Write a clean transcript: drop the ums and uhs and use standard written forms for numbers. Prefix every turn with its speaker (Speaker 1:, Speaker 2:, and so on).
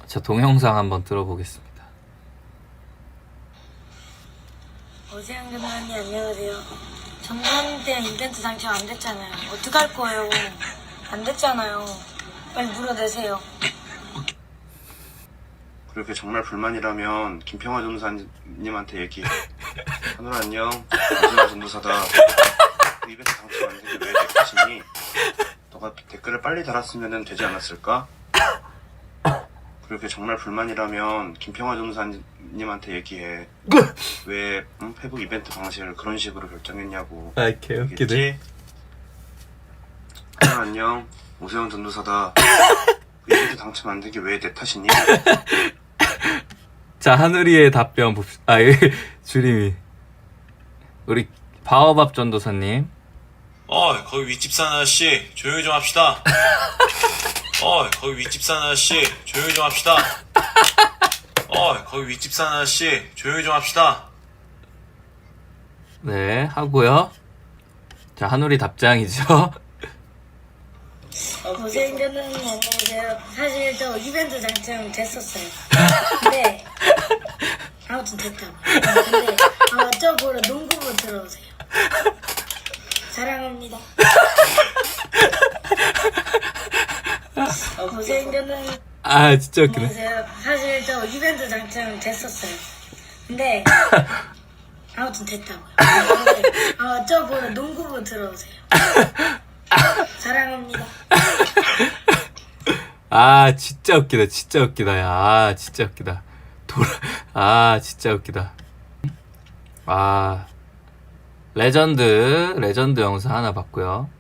Speaker 1: 자, 동영상 한번 들어보겠습니다.
Speaker 2: 오세영 누나님 안녕하세요. 정관 때 이벤트 당첨 안 됐잖아요. 어떡할 거예요? 안 됐잖아요. 빨리 물어내세요.
Speaker 3: 그렇게 정말 불만이라면 김평화 전도사님한테 얘기해. 하늘아 안녕. 오세영 전도사다. 그 이벤트 당첨 안 되게 왜 내 탓이니? 너가 댓글을 빨리 달았으면 되지 않았을까? 그렇게 정말 불만이라면 김평화 전도사님한테 얘기해. 왜 페북 이벤트 방식을 그런 식으로 결정했냐고.
Speaker 1: 아, 개웃기네.
Speaker 3: 알겠지? 하늘아 안녕. 오세영 전도사다. 그 이벤트 당첨 안 되게 왜 내 탓이니?
Speaker 1: 자, 하늘이의 답변 봅시다. 아, 주림이. 우리 바오밥 전도사님.
Speaker 4: 거기 윗집 사는 아저씨 조용히 좀 합시다. 거기 윗집 사는 아저씨 조용히 좀 합시다. 거기 윗집 사는 아저씨 조용히 좀 합시다.
Speaker 1: 네, 하고요. 자, 하늘이 답장이죠.
Speaker 2: 오세영 누나님 안녕하세요. 사실 저 이벤트 당첨 됐었어요. 근데 아무튼 됐다고. 근데 저 보러 농구부 들어오세요. 사랑합니다. 오세영 누나님
Speaker 1: 아, 진짜 웃기네.
Speaker 2: 안녕하세요. 사실 저 이벤트 당첨 됐었어요. 근데 아무튼 됐다고요. 근데 저 보러 농구부 들어오세요. 사랑합니다.
Speaker 1: 아, 진짜 웃기다. 진짜 웃기다. 야, 아, 진짜 웃기다. 아, 진짜 웃기다. 아, 레전드 영상 하나 봤고요.